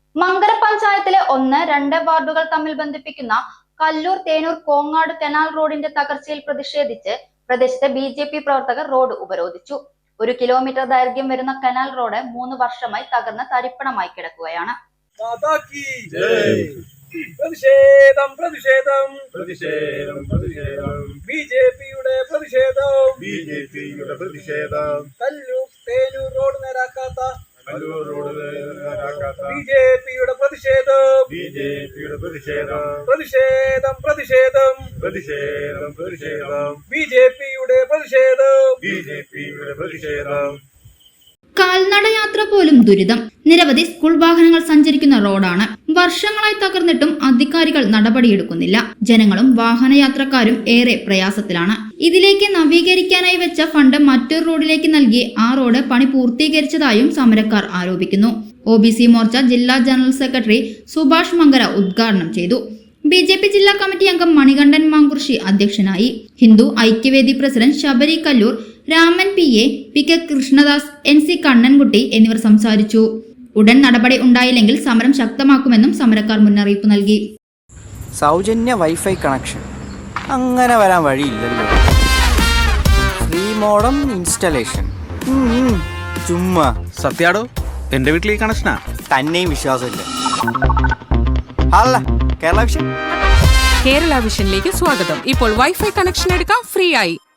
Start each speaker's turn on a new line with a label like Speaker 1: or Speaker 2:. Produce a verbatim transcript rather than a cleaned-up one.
Speaker 1: മങ്കര പഞ്ചായത്തിലെ ഒന്ന് രണ്ട് വാർഡുകൾ തമ്മിൽ ബന്ധിപ്പിക്കുന്ന കല്ലൂർ തേനൂർ കോങ്ങാട് കനാൽ റോഡിന്റെ തകർച്ചയിൽ പ്രതിഷേധിച്ച് പ്രദേശത്തെ ബി ജെ പി പ്രവർത്തകർ റോഡ് ഉപരോധിച്ചു. ഒരു കിലോമീറ്റർ ദൈർഘ്യം വരുന്ന കനാൽ റോഡ് മൂന്ന് വർഷമായി തകർന്ന് തരിപ്പണമായി കിടക്കുകയാണ്.
Speaker 2: പ്രതിഷേധം പ്രതിഷേധം പ്രതിഷേധം പ്രതിഷേധം ബി ജെ പിയുടെ പ്രതിഷേധം ബി ജെ പിയുടെ പ്രതിഷേധം കല്ലൂർ തേനൂർ റോഡ് നേരാക്കാത്ത കല്ലൂർ റോഡ് നേരാക്കാത്ത ബി ജെ പിയുടെ പ്രതിഷേധം ബി ജെ പിയുടെ പ്രതിഷേധം പ്രതിഷേധം പ്രതിഷേധം പ്രതിഷേധം പ്രതിഷേധം ബി ജെ പിയുടെ പ്രതിഷേധം ബി ജെ പിയുടെ പ്രതിഷേധം.
Speaker 1: കാൽനടയാത്ര പോലും ദുരിതം. നിരവധി സ്കൂൾ വാഹനങ്ങൾ സഞ്ചരിക്കുന്ന റോഡാണ്. വർഷങ്ങളായി തകർന്നിട്ടും അധികാരികൾ നടപടിയെടുക്കുന്നില്ല. ജനങ്ങളും വാഹനയാത്രക്കാരും ഏറെ പ്രയാസത്തിലാണ്. ഇതിലേക്ക് നവീകരിക്കാനായി വെച്ച ഫണ്ട് മറ്റൊരു റോഡിലേക്ക് നൽകി ആ റോഡ് പണി പൂർത്തീകരിച്ചതായും സമരക്കാർ ആരോപിക്കുന്നു. ഒ ബി സി മോർച്ച ജില്ലാ ജനറൽ സെക്രട്ടറി സുഭാഷ് മങ്കര ഉദ്ഘാടനം ചെയ്തു. ബി ജെ പി ജില്ലാ കമ്മിറ്റി അംഗം മണികണ്ഠൻ മാങ്കുർശി അധ്യക്ഷനായി. Hindu Aikyavedi president Sabari Kallur, Raman P A, P K Krishnadas, N C Kannankutty എന്നിവർ സംസാരിച്ചു. ഉടൻ നടപടി ഉണ്ടായില്ലെങ്കിൽ സമരം ശക്തമാക്കുമെന്നും സമരക്കാർ മുന്നറിയിപ്പ് നൽകി.
Speaker 3: സൗജന്യ വൈഫൈ കണക്ഷൻ അങ്ങനെ വരാൻ വഴിയില്ലല്ലോ. ഫ്രീ മോഡം ഇൻസ്റ്റലേഷൻ ചുമ്മാ.
Speaker 4: സത്യാടോ, എന്റെ വീട്ടിൽ ഈ കണക്ഷനാ.
Speaker 3: തന്നെയും വിശ്വാസമില്ല. അല്ല കേരള വിഷൻ
Speaker 5: കേരള വിഷനിലേക്ക് സ്വാഗതം. ഇപ്പോൾ വൈഫൈ കണക്ഷൻ എടുക്കാം ഫ്രീ ആയി.